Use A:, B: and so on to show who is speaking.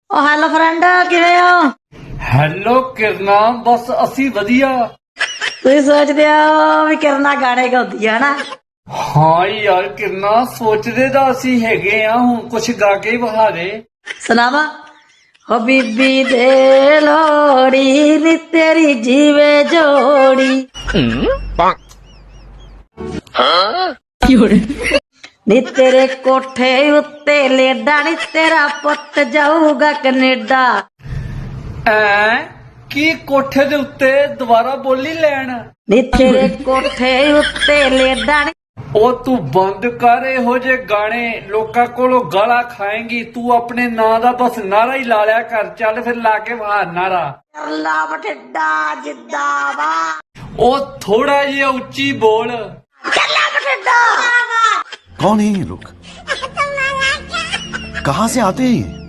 A: ਉਹ hello friend, ਕਿਵੇਂ ਹੋ?
B: ਹੈਲੋ ਕਿਰਨਾ, ਬਸ ਅਸੀਂ ਵਧੀਆ।
A: ਤੁਸੀਂ ਸੋਚਦੇ ਹੋ ਵੀ ਕਿਰਨਾ ਗਾਣੇ ਗਾਉਂਦੀ ਆ ਨਾ?
B: ਹਾਂ ਯਾਰ ਕਿਰਨਾ, ਸੋਚਦੇ ਤਾਂ ਅਸੀਂ ਹੈਗੇ ਆ, ਹੁਣ ਕੁਛ ਗਾ ਕੇ ਹੀ ਵਿਖਾ ਦੇ।
A: ਸੁਣਾਵਾ। ਹੋ ਬੀਬੀ ਦੇ ਲੋੜੀ ਨੀ ਤੇਰੀ ਜੀਵੇ ਜੋੜੀ ਨੀ ਤੇਰੇ ਕੋਠੇ ਉੱਤੇ ਲੇਡਾ ਨੀ ਤੇਰਾ ਪੁੱਤ ਜਾਊਗਾ ਕੈਨੇਡਾ।
B: ਐ ਕੀ ਕੋਠੇ ਦੇ ਉੱਤੇ ਦੁਬਾਰਾ ਬੋਲੀ ਲੈਣ?
A: ਨੀ ਤੇਰੇ ਕੋਠੇ ਉੱਤੇ ਲੇਡਾ ਨੀ।
B: ਉਹ ਤੂੰ ਬੰਦ ਕਰ ਇਹੋ ਜੇ ਗਾਣੇ, ਲੋਕਾਂ ਕੋਲੋਂ ਗਾਲਾਂ ਖਾਏਂਗੀ। ਤੂੰ ਆਪਣੇ ਨਾਂ ਦਾ ਬਸ ਨਾਰਾ ਹੀ ਲਾ ਲਿਆ ਕਰ। ਚੱਲ ਫਿਰ ਲਾ ਕੇ ਬਾਹਰ ਨਾਰਾ।
A: ਅੱਲਾ ਬਠਿੰਡਾ ਜਿੰਦਾਬਾਦ।
B: ਉਹ ਥੋੜਾ ਜਿਹਾ ਉੱਚੀ ਬੋਲ।
A: ਚੱਲਾ ਬਠਿੰਡਾ।
C: कौन है ये लोग? कहाँ से आते हैं ये?